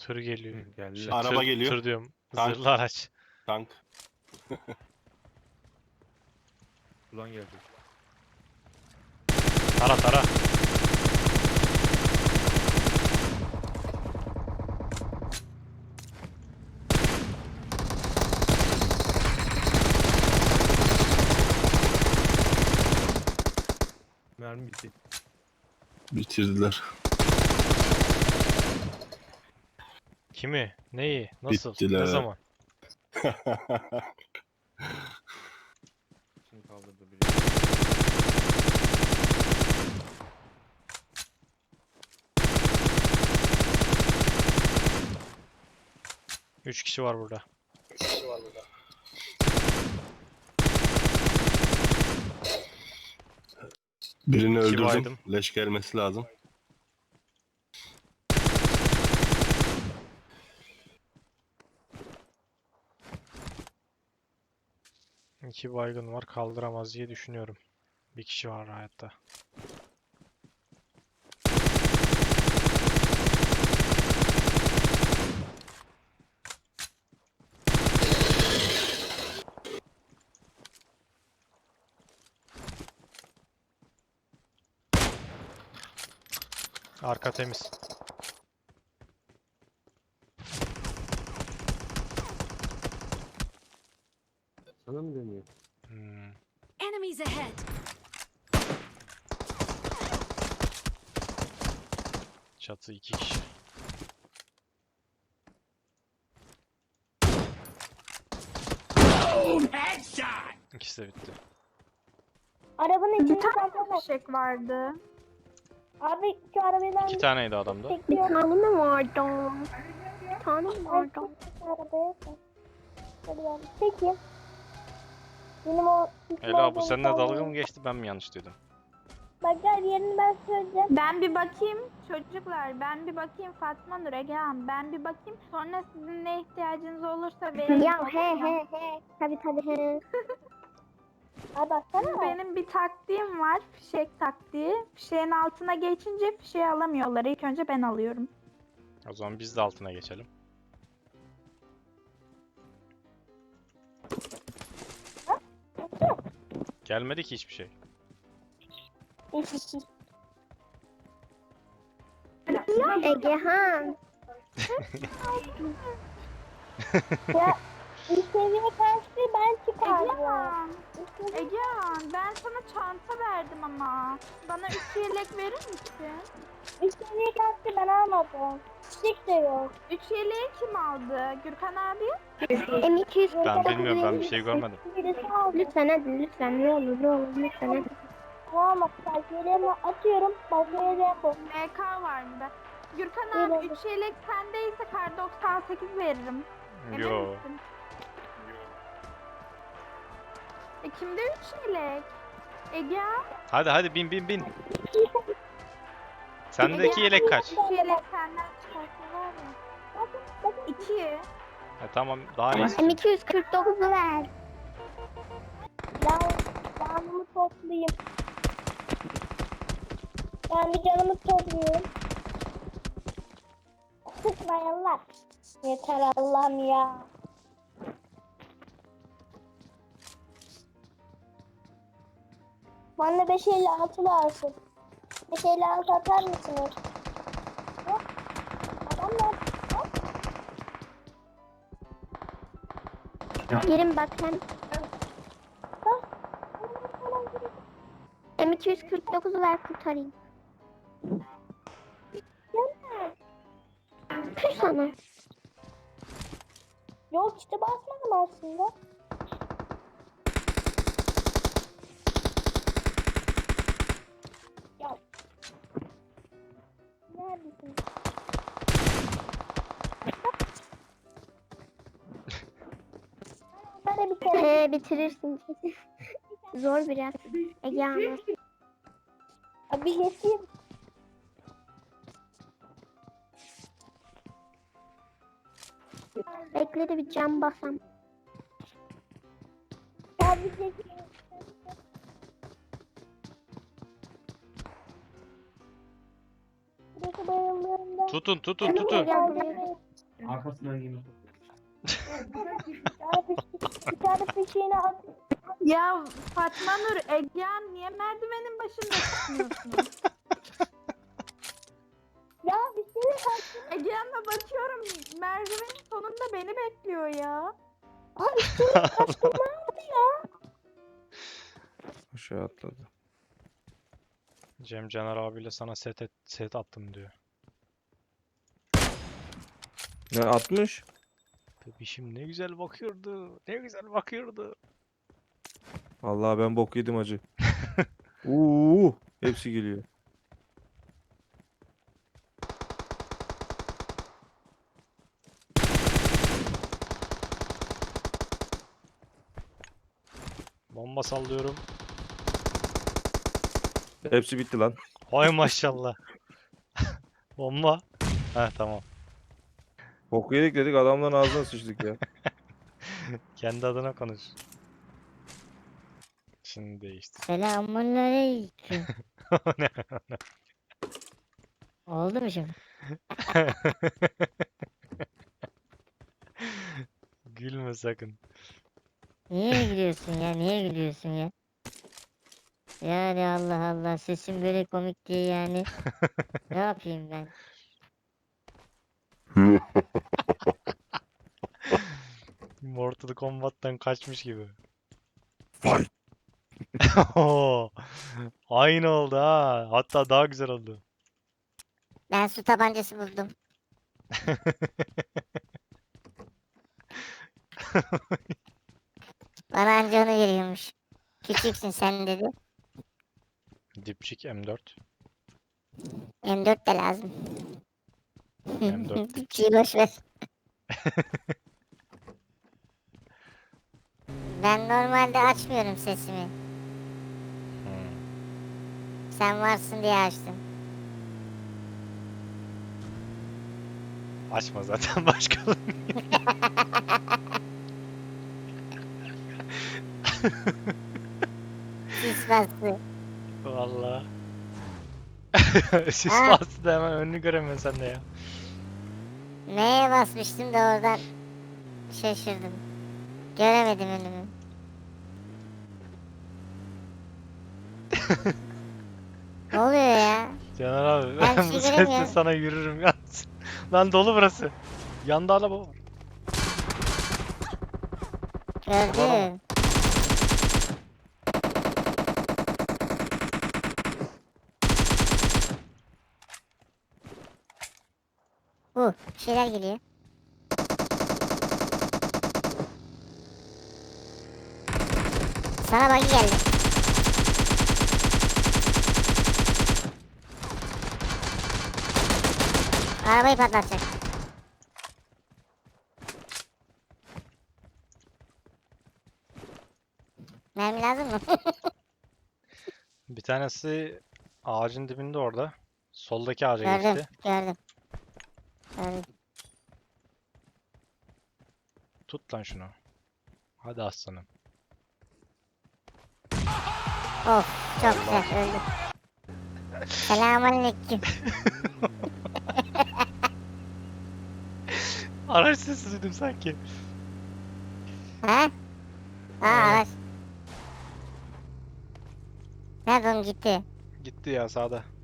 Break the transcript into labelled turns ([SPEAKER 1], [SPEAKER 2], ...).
[SPEAKER 1] Tır geliyor.
[SPEAKER 2] Geldi.
[SPEAKER 3] Araba geliyor.
[SPEAKER 1] Tır diyorum.
[SPEAKER 3] Tank.
[SPEAKER 1] Zırhlı araç.
[SPEAKER 3] Tank.
[SPEAKER 2] Ulan geldi.
[SPEAKER 1] Tara tara.
[SPEAKER 2] Mermi bitti.
[SPEAKER 3] Bitirdiler.
[SPEAKER 1] Kimi? Neyi? Nasıl?
[SPEAKER 3] Bittiler.
[SPEAKER 1] Ne zaman?
[SPEAKER 2] Şimdi kaldırdı biri.
[SPEAKER 1] Üç kişi var burada.
[SPEAKER 3] Birini
[SPEAKER 1] İki
[SPEAKER 3] öldürdüm.
[SPEAKER 1] baydım.
[SPEAKER 3] Leş gelmesi lazım.
[SPEAKER 1] İki baygın var. Kaldıramaz diye düşünüyorum. Bir kişi var hayatta. Arka temiz.
[SPEAKER 2] Sana mı dönüyor?
[SPEAKER 1] Hmm.
[SPEAKER 4] Enemies ahead!
[SPEAKER 1] Çatı iki kişi. İkisi de bitti.
[SPEAKER 5] Arabanın içinde
[SPEAKER 6] Bir tane
[SPEAKER 5] zaten
[SPEAKER 6] fişek vardı.
[SPEAKER 5] abi şu arabadan
[SPEAKER 1] İki taneydi adamda.
[SPEAKER 6] Bir tane mi vardı? Bir tane mi vardı?
[SPEAKER 5] arabaya hadi ben peki. Benim o
[SPEAKER 1] Ela bu seninle dalga mı geçti, ben mi yanlış duydum?
[SPEAKER 5] Bak gel yerini ben söyleyeceğim.
[SPEAKER 6] Ben bir bakayım çocuklar, ben bir bakayım Fatma Nur Ege Hanım, ben bir bakayım sonra sizin ne ihtiyacınız olursa verin.
[SPEAKER 5] Ya he. Tabii he. Abi baksana.
[SPEAKER 6] Benim bir taktiğim var, fişek taktiği. Fişeğin altına geçince fişeği alamıyorlar. İlk önce ben alıyorum.
[SPEAKER 1] O zaman biz de altına geçelim. Gelmedi ki hiçbir şey.
[SPEAKER 5] Egehan. Ya bir seviye kaçtı ben çıkardım.
[SPEAKER 6] Egehan, Egehan ben sana çanta verdim ama. Bana 3 yelek verir misin?
[SPEAKER 5] Bir seviye kaçtı ben almadım. Çiçek de yok.
[SPEAKER 6] 3 yeleği kim aldı? Gürkan abi?
[SPEAKER 5] M200
[SPEAKER 1] Ben bilmiyorum, ben bir şey görmedim.
[SPEAKER 5] birisi aldı. Lütfen hadi lütfen ne olur lütfen hadi. Tamam bak belgelerimi atıyorum. Belgeleri yapalım.
[SPEAKER 6] MK var mı da? Gürkan abi 3 yelek sendeyse kar 98 veririm. Emin
[SPEAKER 1] Yo.
[SPEAKER 6] misin? Kimde 3 yelek? Ege?
[SPEAKER 1] Hadi bin. Sendeki yelek kaç?
[SPEAKER 6] 3 yelek senden çıkarsa var ya. 2.
[SPEAKER 1] Tamam, daha ne istiyorsun?
[SPEAKER 5] M249'u ver. Canımı toplayayım. Ben bir canımı toplayayım. Sıkmayanlar. Yeter Allah'ım ya. Bana 556 lazım. 556 atar mısınız? Yok. Adamlar.
[SPEAKER 7] Yerim bak sen. M249'u ver kurtarayım. Püh sana.
[SPEAKER 5] Yok işte basmadım aslında. Ya. Neredesin? Bana bir kere.
[SPEAKER 7] Bitirirsin. Zor biraz. Ege Hanım.
[SPEAKER 5] Abi geçeyim.
[SPEAKER 7] Bekle de bir cam basam.
[SPEAKER 5] Abi geçeyim. Burası bayıldığımda.
[SPEAKER 1] Tutun.
[SPEAKER 7] Gel buraya.
[SPEAKER 2] Arkasından yemin.
[SPEAKER 5] Bir tane fişeğini at.
[SPEAKER 6] Ya Fatma Nur, Egehan niye merdivenin başında çıkmıyorsunuz?
[SPEAKER 5] Ya bir şey at.
[SPEAKER 6] Egehan'la bakıyorum merdivenin sonunda beni bekliyor ya.
[SPEAKER 5] Abi senin kaçtın ne yaptı ya?
[SPEAKER 2] Aşağı atladı.
[SPEAKER 1] Cem Caner abiyle sana set attım diyor.
[SPEAKER 2] Ne atmış?
[SPEAKER 1] Bebişim ne güzel bakıyordu. Ne güzel bakıyordu.
[SPEAKER 2] Vallahi ben bok yedim acı. Hepsi geliyor.
[SPEAKER 1] Bomba sallıyorum.
[SPEAKER 2] Hepsi bitti lan.
[SPEAKER 1] Hay maşallah. Bomba. Heh tamam.
[SPEAKER 2] Bok yedik dedik adamların ağzına sıçtık ya.
[SPEAKER 1] Kendi adına konuş. Şimdi değişti.
[SPEAKER 7] Selamünaleyküm.
[SPEAKER 1] Ne?
[SPEAKER 7] Oldu mu şimdi?
[SPEAKER 1] Gülme sakın.
[SPEAKER 7] Niye gülüyorsun ya? Niye gülüyorsun ya? Yani Allah Allah sesim böyle komik diye yani. Ne yapayım ben?
[SPEAKER 1] Mortal Kombat'tan kaçmış gibi.
[SPEAKER 2] Vay.
[SPEAKER 1] Oo, aynı oldu ha. Hatta daha güzel oldu.
[SPEAKER 7] Ben su tabancası buldum. Bana anca onu veriyormuş. Küçüksün sen dedi.
[SPEAKER 1] Dipçik M4.
[SPEAKER 7] M4 de lazım.
[SPEAKER 1] M4
[SPEAKER 7] Bir şey boş ver. Ben normalde açmıyorum sesimi.
[SPEAKER 1] Hmm.
[SPEAKER 7] Sen varsın diye açtım.
[SPEAKER 1] Açma zaten başka.
[SPEAKER 7] Sis bastı.
[SPEAKER 1] Valla. Sis
[SPEAKER 7] Ha.
[SPEAKER 1] bastı da hemen önünü göremiyorsun sen de ya.
[SPEAKER 7] Neye basmıştım da oradan şaşırdım. Göremedim önümü. Ne oluyor ya?
[SPEAKER 1] Caner abi
[SPEAKER 7] Ben
[SPEAKER 1] bu
[SPEAKER 7] şey
[SPEAKER 1] sesle
[SPEAKER 7] göremiyorum.
[SPEAKER 1] sana yürürüm yalnız. Lan dolu burası. Yanda araba var.
[SPEAKER 7] Gördüm. Bir şeyler geliyor. Sana buggy geldi. Arabayı patlatacak. Mermi lazım mı?
[SPEAKER 1] Bir tanesi ağacın dibinde orada. Soldaki ağaca
[SPEAKER 7] Gördüm,
[SPEAKER 1] geçti.
[SPEAKER 7] gördüm. Gördüm.
[SPEAKER 1] Tut lan şunu. Hadi aslanım.
[SPEAKER 7] Of, çok güzel öldü. Selamünaleyküm.
[SPEAKER 1] Araç sesi duydum sanki.
[SPEAKER 7] Ha? Araç. Nerede oğlum gitti?
[SPEAKER 1] Gitti ya sağda.